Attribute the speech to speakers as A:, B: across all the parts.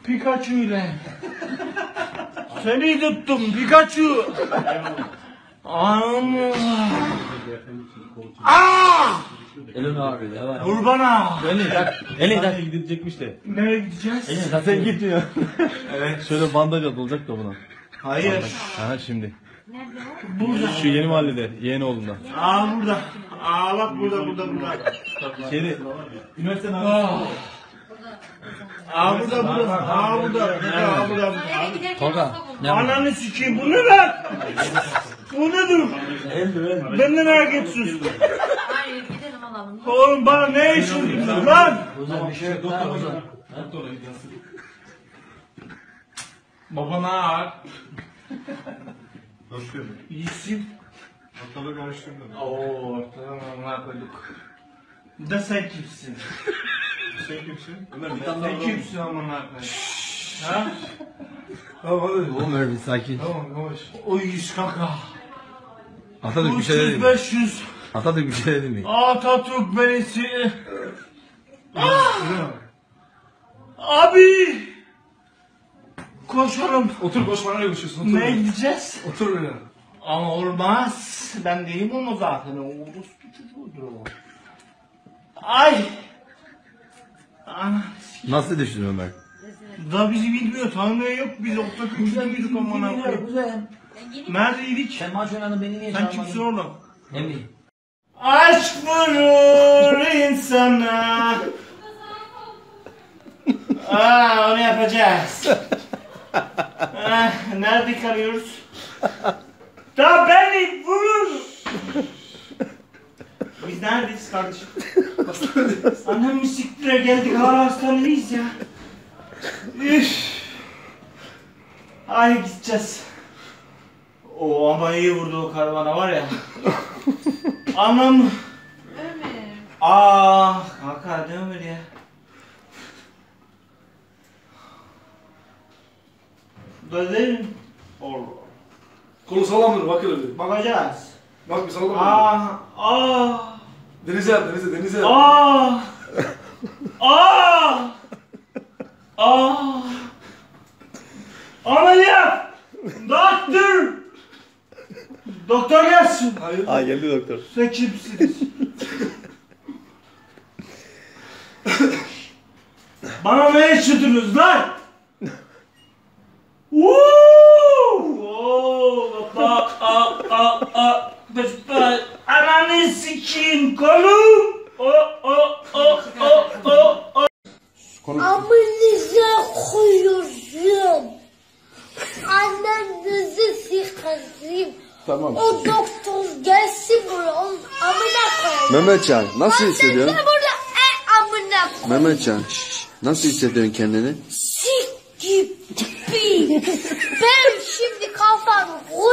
A: Pikachu ile. Seni tuttum Pikachu. Allah.
B: Elini abi ya var.
A: Vur bana.
B: Eli tak gidecekmiş de.
A: Nereye gideceğiz?
B: Eli tak sen gitmiyor.
A: Evet.
B: Şöyle bandaj atılacak da buna.
A: Hayır.
B: Ha şimdi.
A: Burada.
B: Şu yeni mahallede, yeğeni oğlunda.
A: Burada. Bak burada.
B: Şeyde. Üniversitenin
A: Burada.
B: Tolga.
A: Ananı sikeyim, bu ne lan? Bu nedir? Benden merak etsin.
C: Hayır gidelim alalım.
A: Oğlum bana ne işin lan?
B: Ozan bir şey yok. Doktor Ozan. Doktora gidiyorsun.
A: Babana ağır.
D: Nasıl?
A: İyisin.
D: Ortalığı karıştırdın.
A: Oo, ortadan koyduk. Da sen kimsin?
D: Sen kimsin?
B: Ömer bir
A: Sen kimsin amına koyayım? Ha?
D: Tamam hadi.
B: Oğlum Ömer bir sakin.
D: Tamam yavaş.
A: O 100 kaka.
B: Atatürk bir şey dedi
A: 300
B: mi?
A: 500.
B: Atatürk bir şey dedi mi?
A: Atatürk beresi. Abi. Koşalım.
D: Otur boş bana görüşüyorsun. Otur.
A: Ne gideceğiz?
D: Otur böyle.
A: Ama olmaz. Ben değilim ama zaten. Orospu çocuğudur o. Ay. Ana.
B: Nasıl düştün Ömer?
A: Da bizi bilmiyor, tanımıyor yok. Biz ortak üçlüydük amına koyayım.
B: Güzel.
A: Neredeydik?
B: Sen maç oynadın beni niye
A: Sen kimsin oğlum?
B: Emmi.
A: Aşk vurur insana. Onu yapacağız. Nerede kalıyoruz? Da beni vur. Biz neredeyiz kardeşim? Annem siktire geldik, hala hastanedeyiz ya. Üff. Ay gideceğiz. O ama iyi vurdu o karavana var ya. Anam.
C: Ömer.
A: Kanka ne Ömer ya? Gözlerim. Allah.
D: Kolu sallamdır bak öyle bir.
A: Bakacağız.
D: Bak bir sallamdır. Denize yap denize.
A: Ameliyat! Doktor! Doktor gelsin.
D: Hayır.
B: Aa geldi doktor.
A: Sen kimsiniz? Bana ne yaşadınız lan? Ananı sikeyim kolum.
E: Amınıza koyuyorum. Annenizi sikeyim.
F: Tamam.
E: O doktor gelsin buraya. Onun amına koyayım.
F: Mehmetcan nasıl
E: Sen
F: hissediyorsun?
E: de burada amına koyayım.
F: Mehmetcan nasıl hissediyorsun kendini?
E: Sik gibi. Ben şimdi kafam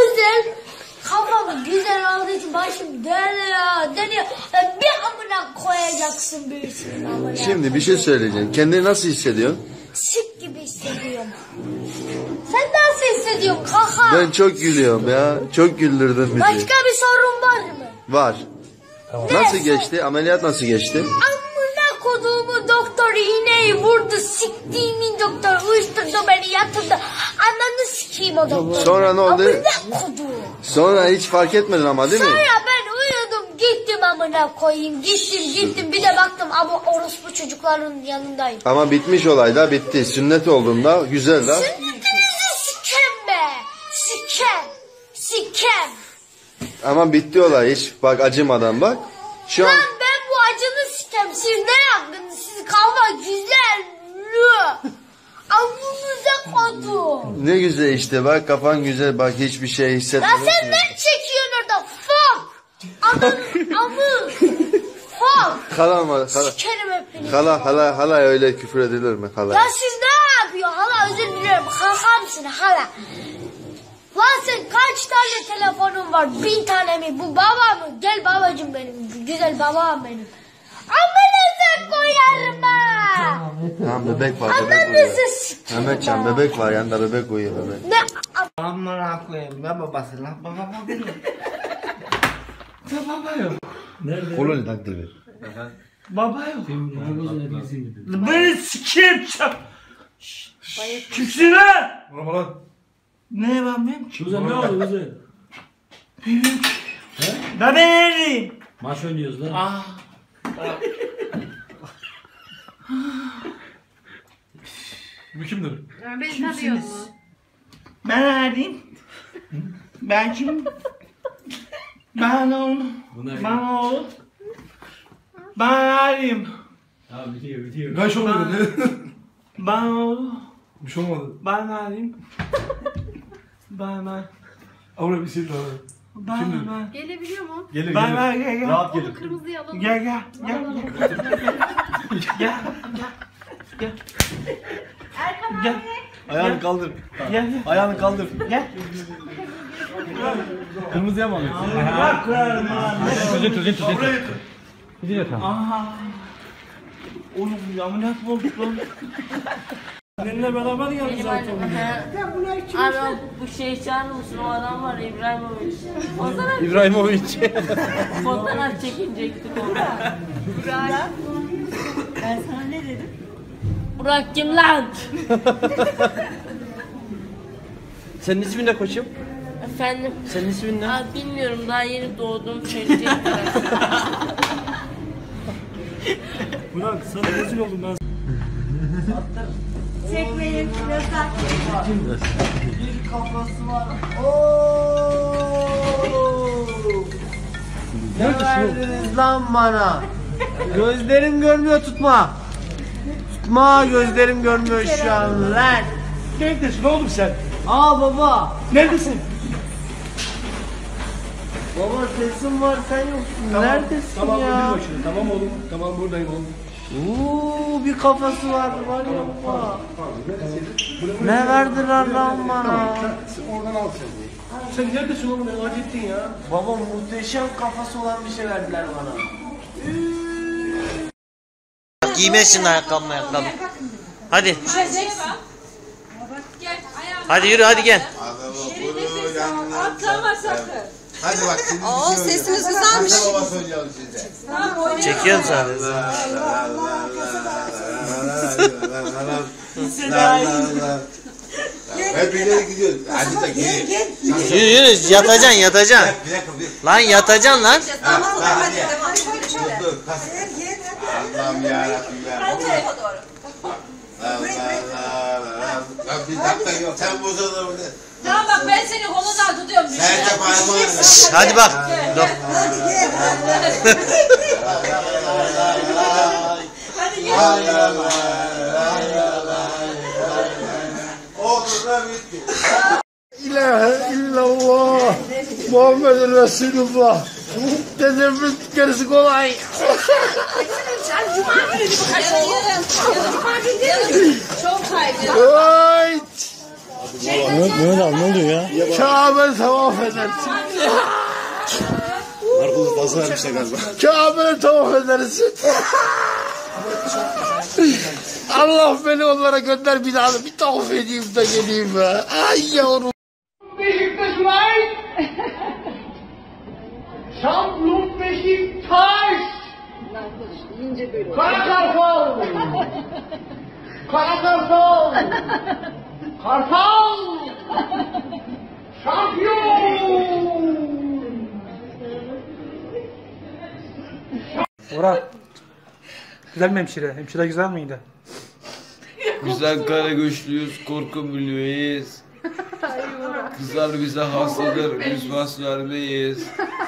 E: güzel olduğu için başım dönüyor. Bir amına koyacaksın birisinin amına.
F: Şimdi bir şey söyleyeceğim. Kendini nasıl hissediyorsun?
E: Sik gibi hissediyorum. Sen nasıl hissediyorsun kaka?
F: Ben çok gülüyorum ya. Çok güldürdün bizi.
E: Başka bir sorun var mı?
F: Var. Nasıl geçti? Ameliyat nasıl geçti?
E: Amına koduğumu doktor iğneyi vurdu. Siktiğimin doktor uyuşturdu beni yatırdı. Ananı sikeyim o doktor.
F: Sonra ne oldu?
E: Amına koduğum.
F: Sonra hiç fark etmedin ama değil mi?
E: Sonra ben uyudum gittim amına koyayım. Gittim bir de baktım ama orospu çocukların yanındayım.
F: Ama bitmiş olay da bitti. Sünnet olduğunda güzel da.
E: Sünnetinizi sikem be. Sikem.
F: Ama bitti olay hiç bak acımadan bak. Şu an
E: Lan ben bu acını sikem. Siz ne yaptınız? Siz kavga güzel. Amınıza koydum.
F: ne güzel işte bak kafan güzel bak hiçbir şey
E: Ya
F: hissetmedin.
E: sen ne çekiyorsun orada? Fuck. Amı. Fuck.
F: Hala mı?
E: Sikerim hepinizi.
F: Hala öyle küfür edilir mi hala?
E: Ya siz ne yapıyorsun? Hala özür diliyorum. Kakamsın hala. Lan sen kaç tane telefonun var? 1000 tane mi? Bu baba mı? Gel babacım benim. Güzel babam benim. Amınıza koyarım ha.
F: Tamam bebek var.
E: Ananızı sikerim.
F: Mehmetcan bebek var yanında bebek uyuyor bebek.
E: Ne?
A: Amına koyayım ben babası lan. Baba benim. Baba yok.
B: Koloni takdir ver.
A: Baba yok. Beni sikeyim çap. Kimsin lan?
D: Vurma lan.
A: Ne var benim?
G: Kuzen ne oldu kuzen?
A: Bilmiyorum ki. Ben neredeyim?
G: Maç oynuyoruz lan.
A: Ah.
D: Bu kimdir?
C: Beni tanıyor mu?
A: Ben neredeyim? Ben kimim? Ben oğlum. Ben oğlum. Ben neredeyim?
G: Ya bitiyor.
D: Ben şey olmadı.
A: Ben oğlum.
D: Bir şey olmadı.
A: Ben neredeyim? Ben.
D: Abla bir şey daha.
A: Ben.
C: Gelebiliyor mu?
G: Gelir
A: Ben gel.
G: Rahat gelir.
C: Kırmızıyı alalım.
A: Gel. Gel.
C: Erkan
A: Gel.
C: abi.
B: Ayağını kaldır.
A: Gel.
B: Ayağını kaldır.
A: Gel.
B: Kırmızıya mı alıyorsun?
A: Bırak lan.
G: Gidiyor tamam.
A: Aha. Oğlum ameliyat mı olduk lan? Seninle beraber geldi zaten.
H: Abi bu şey çağırır mısın? O adam var İbrahimovic.
B: İbrahimovic.
H: Fotoğraf çekinecektik orada.
C: Burak.
H: Ben sana ne dedim? Burak kim lan?
B: Senin ismin ne koçum?
H: Efendim?
B: Senin ismin ne?
H: Abi bilmiyorum daha yeni doğdum söyleyecektim.
G: Burak sana rezil oldum ben.
C: Çekmeyin. Yasak.
A: Bir kafası var.
B: Ne verdiniz lan bana? Gözlerim görmüyor, tutma. Tutma, gözlerim görmüyor şu an lan.
G: Neredesin oğlum sen?
B: Aa baba.
G: Neredesin?
B: Baba sesin var, sen yoksun. Neredesin
G: Tamam
B: ya?
G: bir başına. Tamam oğlum. Tamam buradayım oğlum.
B: Bir kafası var ya baba. Ne verdiler lan bana?
G: Oradan al sen. Sen neredesin oğlum? Ne acı ettin ya?
B: Baba muhteşem kafası olan bir şey verdiler bana.
I: Giymezsin ayakkabı. Hadi. Hadi yürü hadi gel.
C: Atlama sakın.
F: Hadi bak şimdi.
C: Oo sesiniz güzelmiş.
F: Baba söylüyorum size.
I: Çekiyorum sadece.
F: Hep ileri gidiyoruz. Hadi da geri.
I: Yürü yatacaksın.
F: Bir dakika.
I: Lan yatacaksın lan.
C: Tamam hadi devam.
F: Dur. Allah'ım yarabbim ya. Hadi. Allah. Bir dakika yok. Sen bozulur burada.
C: Tamam bak ben seni kolundan tutuyorum.
F: Sen de parmağını.
I: Hadi bak. Dur.
C: Hadi gel.
F: Oldu da bitti.
B: İlahe illallah. Muhammedun Resulullah. Dedemin gerisi kolay.
C: Sen cuma günü bir kaç oldu? Cuma günü değil mi? Çok kaydı.
B: Ay.
G: Mehmet abi ne oluyor ya?
B: Kabe tavaf edersin.
G: Narkozu fazla vermişler galiba.
B: Kabe'ye tavaf edersin. Allah beni onlara gönder bir daha bir tavaf edeyim de geleyim be. Ay yavrum.
A: Beşiktaş var. Şampiyon Beşiktaş. Kara Kartal. Kara Kartal. Kartal. Şampiyon.
G: Orhan. Güzel mi hemşire? Hemşire güzel miydi?
J: Güzel kara güçlüyüz, korku milyoneyiz. Kızlar bize hastadır, biz pas vermeyiz.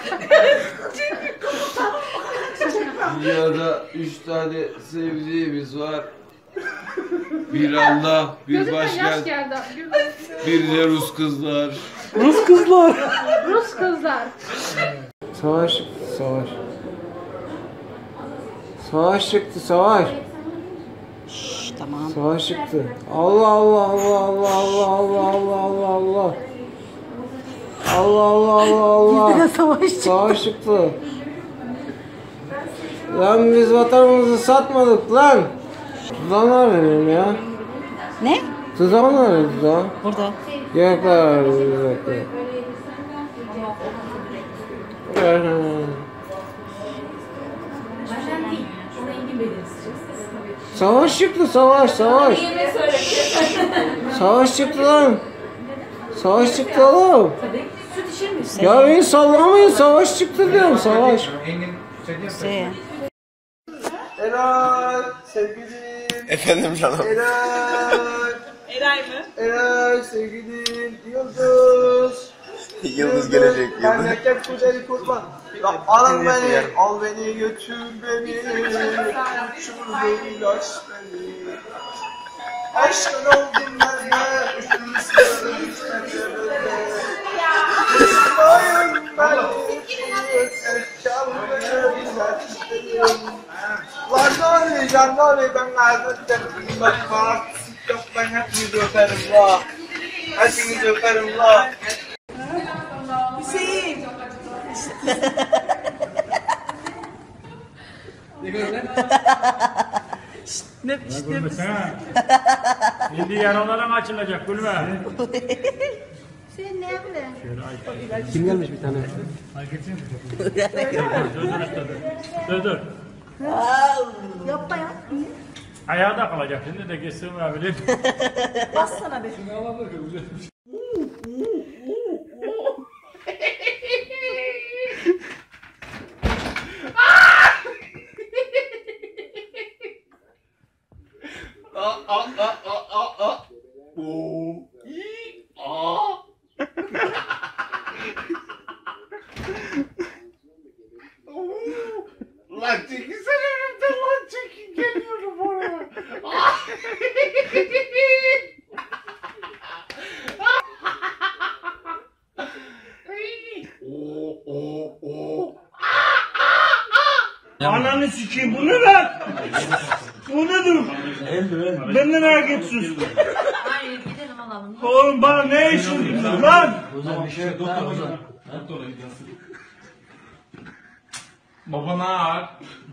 J: Dünyada 3 tane sevdiğimiz var. Bir Allah, bir başkent, bir de Rus kızlar.
G: Rus kızlar.
C: Rus kızlar.
B: Savaş, savaş. Savaş çıktı, savaş.
C: Tamam.
B: Savaş çıktı. Allah Allah Allah Allah Allah Allah Allah Allah Allah. Allah Allah Allah Allah. Savaş çıktı. Lan biz vatanımızı satmadık lan. Tuzağın nerede benim ya?
C: Ne?
B: Tuzağın nerede tuzağın?
C: Burada.
B: Gökler gökler. Savaş çıktı, savaş, savaş. Savaş çıktı lan. Savaş çıktı oğlum. Ya beni sallamayın, savaş çıktı diyorum, savaş.
G: Eray sevgilim.
F: Efendim canım.
C: Eray mı?
G: Eray sevgilim. Yıldız.
F: Yıldız gelecek. Yıldız.
G: Memleket güzeli kurban. Alın beni, al beni, götür beni. Uçur beni, aç beni. Aşkın oldum ben de. İsterim İsmail beni. Efkar beni güzel istedim. Lan noli ben kaybettim. Bak bana yok ben hepinizi öperim la. Hepinizi öperim la.
C: Hüseyin. Ne
K: Şimdi yaralarım açılacak gülme.
E: Sen ne bileyim?
G: Kim gelmiş bir tane?
K: Dur.
E: Yapma ya.
K: Ayağı da kalacak şimdi de geçsin abi.
C: bassana be.
A: Lan çekilsene önümden lan çekin geliyorum oraya. Ananı sikeyim bu ne lan? Bu nedir? Benden merak etsin.
H: Hayır gidelim alalım.
A: Oğlum bana ne işin lan?
D: Bir şey yok. Doktor.
A: Baba ne var?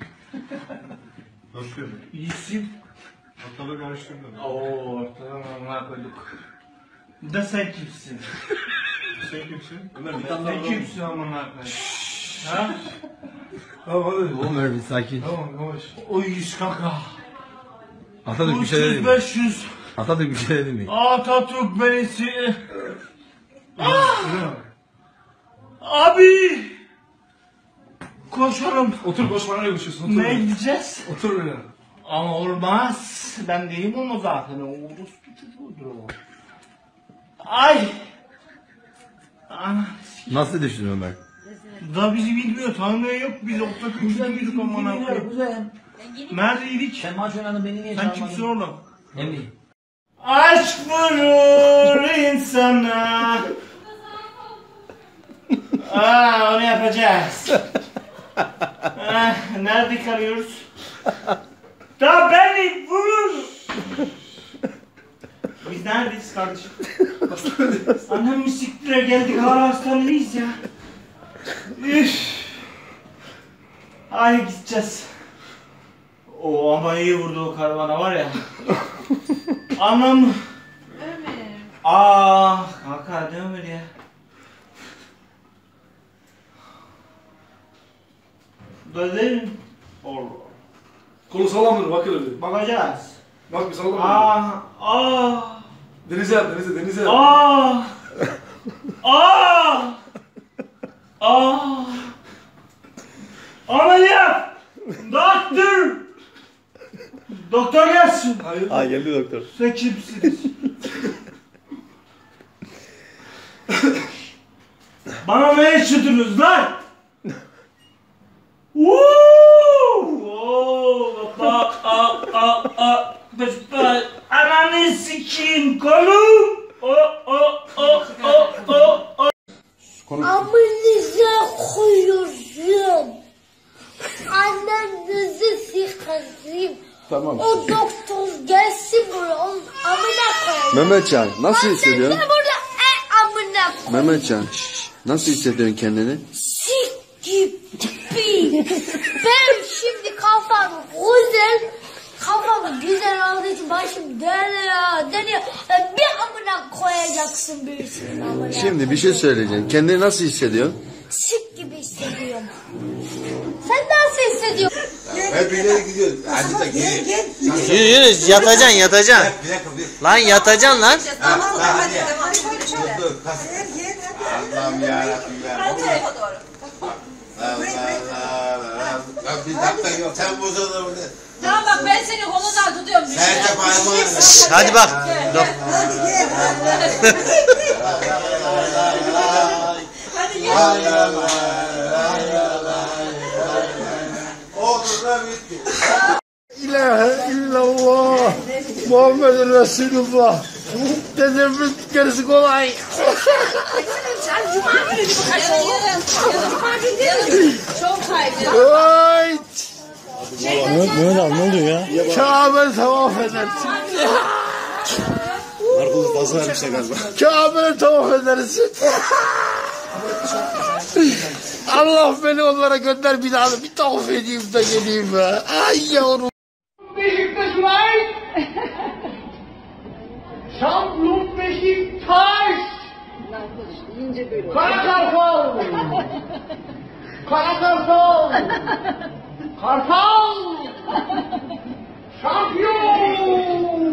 D: Hoş geldin.
A: İyisin.
D: Ortalığı karıştırdın.
A: Oo tamam amına koyduk. Da sen kimsin?
D: Sen kimsin?
A: Sen kimsin amına koyduk? Ha?
D: Tamam hadi.
F: Oğlum Ömer bir sakin.
D: Tamam yavaş.
A: O 100 kaka.
F: Atatürk bir şey dedi mi?
A: 500.
F: Atatürk bir şey dedi mi?
A: Atatürk beresi. Abi. Koşalım.
D: Otur boş bana görüşüyorsun. Otur.
A: Ne gideceğiz?
D: Otur öyle.
A: Ama olmaz. Ben değilim onu zaten. Uğuruz çocuğudur o. Ay. Ana.
F: Nasıl düştün Ömer?
A: Da bizi bilmiyor, tanımıyor yok. Biz orta küçüğüydük amına koyayım. Neredeydik?
B: Sen maç oynadın, beni niye
A: Sen kimsin oğlum?
B: Emmi.
A: Aşk vurur insana. Onu yapacağız. Nerede kalıyoruz? Da beni vur. Biz neredeyiz kardeşim? Annem siktire geldik, hala hastanedeyiz ya. Üff. Ay gideceğiz. O ama iyi vurdu o karavana var ya. Anam.
C: Ömer.
A: Kanka ne Ömer ya? Gözlerim. Allah.
D: Kolu sallamdır bak öyle.
A: Bakacağız.
D: Bak bir sallama. Denize yap denize yap.
A: Ameliyat. Doktor. Doktor gelsin.
D: Hayır.
F: Aa geldi doktor.
A: Sen kimsiniz? Bana ne içirdiniz lan? Ananı sikeyim kolum.
E: Amınıza koyuyorsun. Annenizi sikeyim.
F: Tamam.
E: O doktor gelsin buraya. Onun amına koyayım.
F: Mehmetcan nasıl hissediyorsun?
E: Sen burada amına koyayım.
F: Mehmetcan nasıl hissediyorsun kendini?
E: Sik gibi. Benim şimdi kafam güzel. Kafam güzel olduğu için başım dönüyor. Bir amına koyacaksın birisinin amına.
F: Şimdi bir şey söyleyeceğim. Kendini nasıl hissediyorsun?
E: sik gibi hissediyorum. Sen nasıl hissediyorsun?
F: Hep ileri gidiyoruz. Hadi da gel.
I: Yürü yatacaksın yatacaksın.
F: Bir dakika.
I: Lan yatacaksın lan.
C: Tamam hadi devam. Şöyle.
F: Dur. Allah'ım yarabbim ya.
C: Hadi tarafa doğru.
F: Lan bir dakika yok. Sen bozulur bunu.
C: Tamam bak ben seni kolundan tutuyorum.
F: Sen de parmağını.
I: Hadi bak. Dur.
C: Hadi gel.
F: Olur da bitti.
B: İlahe illallah. Muhammed Resulullah. Dedemin gerisi kolay.
C: Sen cuma günü bir kaçırdın. Cuma günü değil mi? Çok kaydı.
B: Ay.
K: Mehmet abi ne oluyor ya?
B: Kabe tavaf edersin.
F: Markus fazla vermişler galiba.
B: Kabe'ye tavaf edersin. Allah beni onlara gönder bir daha bir tavaf edeyim de geleyim be. Ay yavrum.
L: Beşiktaş var. Şampiyonluk Beşiktaş. Kara Kartal. Kara Kartal. Kartal. Şampiyon.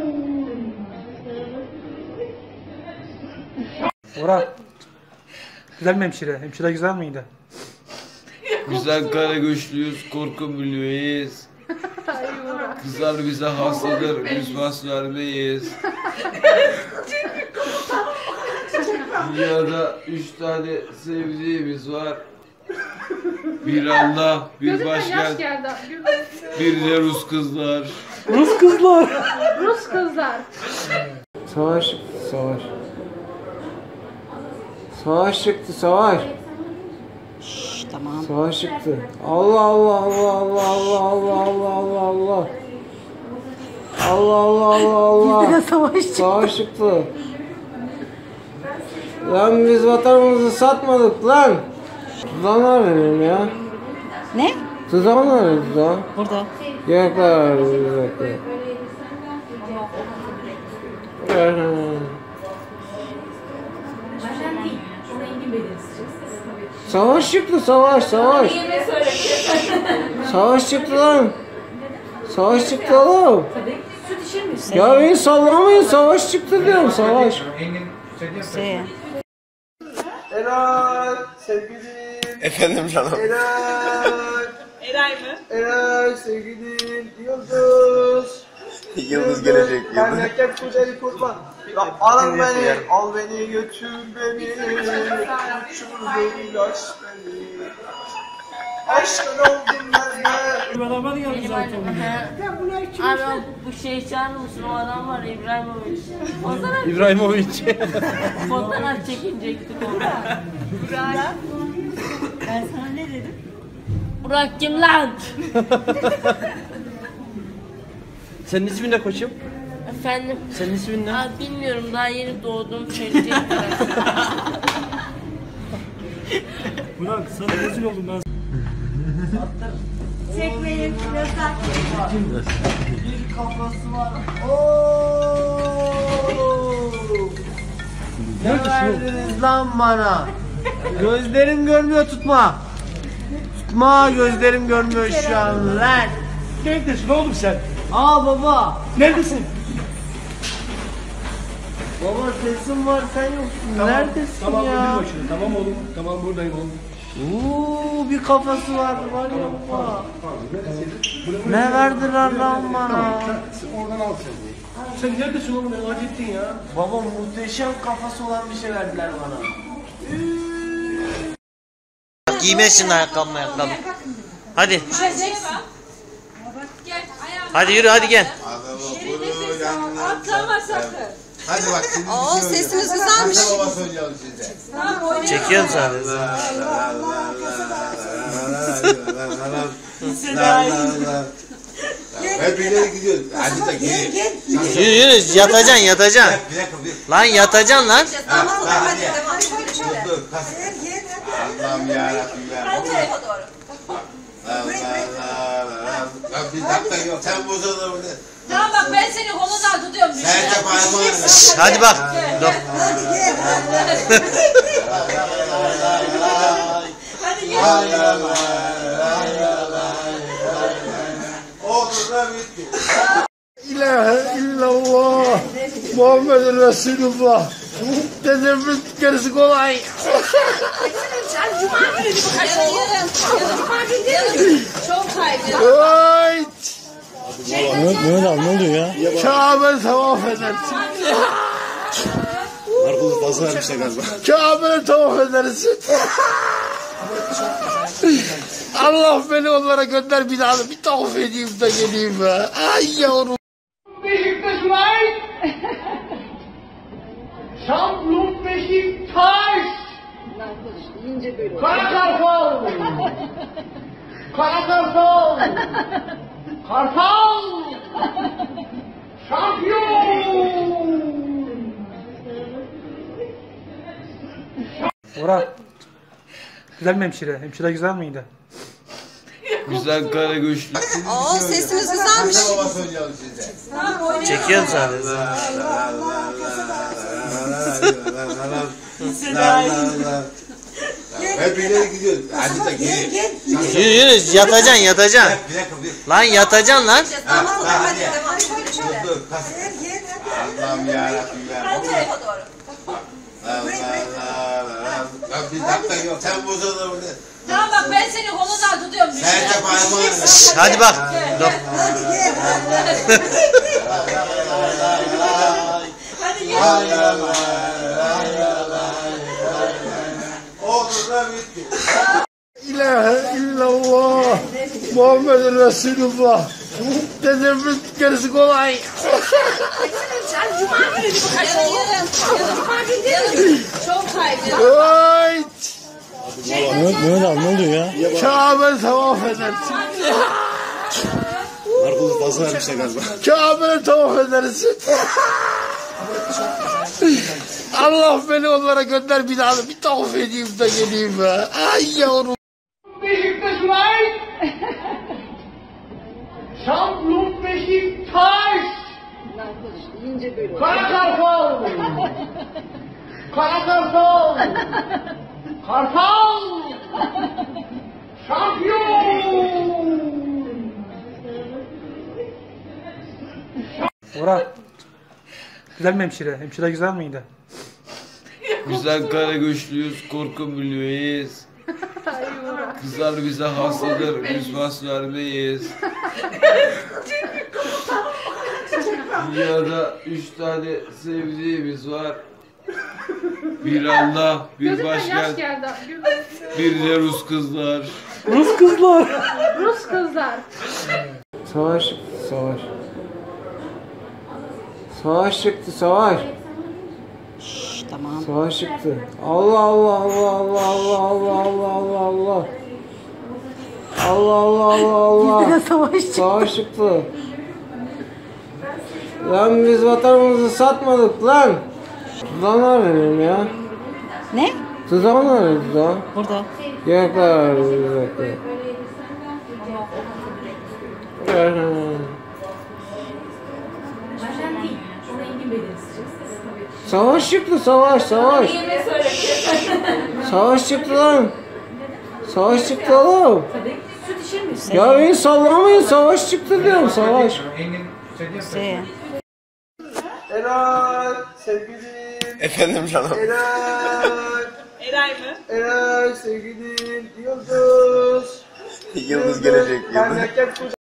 M: Orhan. Güzel mi hemşire? Hemşire güzel miydi?
J: Güzel kara güçlüyüz, korku milyoneyiz. Kızlar bize hastadır, biz bas vermeyiz. Dünyada 3 tane sevdiğimiz var. Bir Allah, bir başkent, bir de Rus kızlar.
M: Rus kızlar.
L: Rus kızlar.
B: Savaş, savaş. Savaş çıktı, savaş.
N: Tamam.
B: Savaş çıktı. Allah Allah Allah Allah Allah Allah Allah Allah Allah. Allah Allah Allah Allah. Savaş çıktı. Lan biz vatanımızı satmadık lan. Tuzağın nerede benim ya?
N: Ne?
B: Tuzağın nerede tuzağın?
N: Burada.
B: Yemekler var yemekler. Savaş çıktı savaş. Savaş çıktı lan. Savaş çıktı oğlum. Ya beni sallamayın, savaş çıktı diyorum, savaş.
G: Eray sevgilim.
F: Efendim canım.
C: Eray mı?
G: Eray sevgilim. Yıldız.
F: Yıldız gelecek. Yıldız.
G: Memleket güzeli kurban. Alın beni, al beni, götür beni. Şurada ilaç beni. Aşkın oldum ben.
K: Beraber geldi zaten.
H: Abi bu şey çağırır mısın? O adam var İbrahimovic.
M: İbrahimovic.
H: Fotoğraf çekinecektik orada.
N: Burak. Ben sana ne dedim?
H: Burak kim lan?
M: Senin ismin ne koçum?
H: Efendim?
M: Senin ismin ne?
H: Abi bilmiyorum daha yeni doğdum söyleyecektim.
K: Burak sana rezil oldum ben.
N: Çekmeyin. Yasak.
G: Bir kafası var. Ne verdiniz lan bana? Gözlerim görmüyor, tutma. Tutma, gözlerim görmüyor şu an lan.
K: Neredesin oğlum sen?
G: Aa baba.
K: Neredesin?
G: Baba sesim var, sen yoksun. Neredesin
K: tamam,
G: ya?
K: Tamam tamam oğlum. Tamam buradayım oğlum.
G: Bir kafası var ya baba. Ne verdiler lan bana?
K: Oradan al sen. Sen neredesin oğlum? Ne acı ettin ya?
G: Baba muhteşem kafası olan bir şey verdiler bana.
I: Giymezsin ayakkabı. Hadi. Hadi yürü hadi gel.
C: Atlama sakın.
F: Hadi bak şimdi.
C: Oo sesiniz güzelmiş.
F: Anne baba söyleyeceğim size.
C: Tamam oynayalım.
I: Çekiyorum sadece.
F: Hep ileri gidiyoruz. Hadi da gel.
I: Yürü yatacaksın yatacaksın.
F: Bir dakika.
I: Lan yatacaksın lan.
C: Tamam hadi devam. Şöyle.
F: Dur. Allah'ım yarabbim ya.
C: Hadi tarafa doğru.
F: Lan bir dakika yok. Sen bozulur bunu.
C: Tamam bak ben seni kolundan tutuyorum.
F: Sen de parmağını.
I: Hadi bak. Dur.
B: İlahe illallah Muhammedun Resulullah. Dedemin gerisi kolay.
C: Sen cuma günü gibi kaçırdın. Cuma günü değil mi? Çok kaydı.
B: Ay.
M: Mehmet abi ne oluyor ya?
B: Kabe'yi tavaf edersin.
F: Narkozu fazla vermişler galiba.
B: Kabe'yi tavaf edersin. Allah beni onlara gönder bir daha bir tavaf edeyim de geleyim be. Ay yavrum.
L: Beşiktaş Light. Şampiyonluk Beşiktaş. Kara Kartal. Kara Kartal. Kartal. Şampiyon.
M: Orhan. Güzel mi hemşire? Hemşire güzel miydi?
J: Güzel kara güçlü.
C: Oo sesiniz güzelmiş.
I: Çekiyorum sadece.
F: Hep ileri gidiyoruz. Hadi da geri.
I: Yürü yatacaksın yatacaksın. Lan yatacaksın lan.
F: Allah'ım yarabbim ya. Bak bir dakika yok. Sen bozulur burada.
C: Tamam bak ben seni kolundan tutuyorum.
F: Sen de parmağını.
I: Hadi bak. Dur.
C: Hadi gel.
F: Olur da bitti.
B: İlahe illallah Muhammedun Resulullah. Dedemin gerisi kolay.
C: Sen cuma günü gibi kaçırdın. Cuma günü değil mi? Çok kaydı.
B: Ay.
M: Mehmet abi ne oluyor ya?
B: Kabe'yi tavaf edersin.
F: Narkozu fazla vermişler galiba.
B: Kabe'yi tavaf edersin. Allah beni onlara gönder bir daha bir tavaf edeyim de geleyim be. Ay yavrum.
L: Beşiktaş Light. Şampiyonluk Beşiktaş. Kara Kartal. Kara Kartal. Kartal. Şampiyon.
M: Orhan. Güzel mi hemşire? Hemşire güzel miydi?
J: Güzel kara güçlüyüz, korku milyoneyiz. Kızlar bize hastadır, biz bas vermeyiz. Dünyada 3 tane sevdiğimiz var. Bir Allah, bir başkent, bir de Rus kızlar.
M: Rus kızlar.
L: Rus kızlar.
B: Savaş çıktı savaş. Savaş çıktı savaş.
N: Tamam.
B: Savaş çıktı. Allah Allah Allah Allah Allah Allah Allah Allah Allah. Allah Allah Allah Allah.
N: Bizde de savaş çıktı.
B: Savaş çıktı. Lan biz vatanımızı satmadık lan. Tuzağın var benim ya.
N: Ne?
B: Tuzağın var tuzağın.
N: Burada.
B: Yemekler var yemekler. Savaş çıktı savaş savaş. Savaş çıktı lan. Savaş çıktı oğlum. Ya beni sallamayın savaş çıktı diyorum savaş.
G: Eray sevgilim.
F: Efendim canım.
G: Eray.
C: Eray mı?
G: Eray sevgilim. Yıldız.
F: Yıldız gelecek. Yıldız.
G: Memleket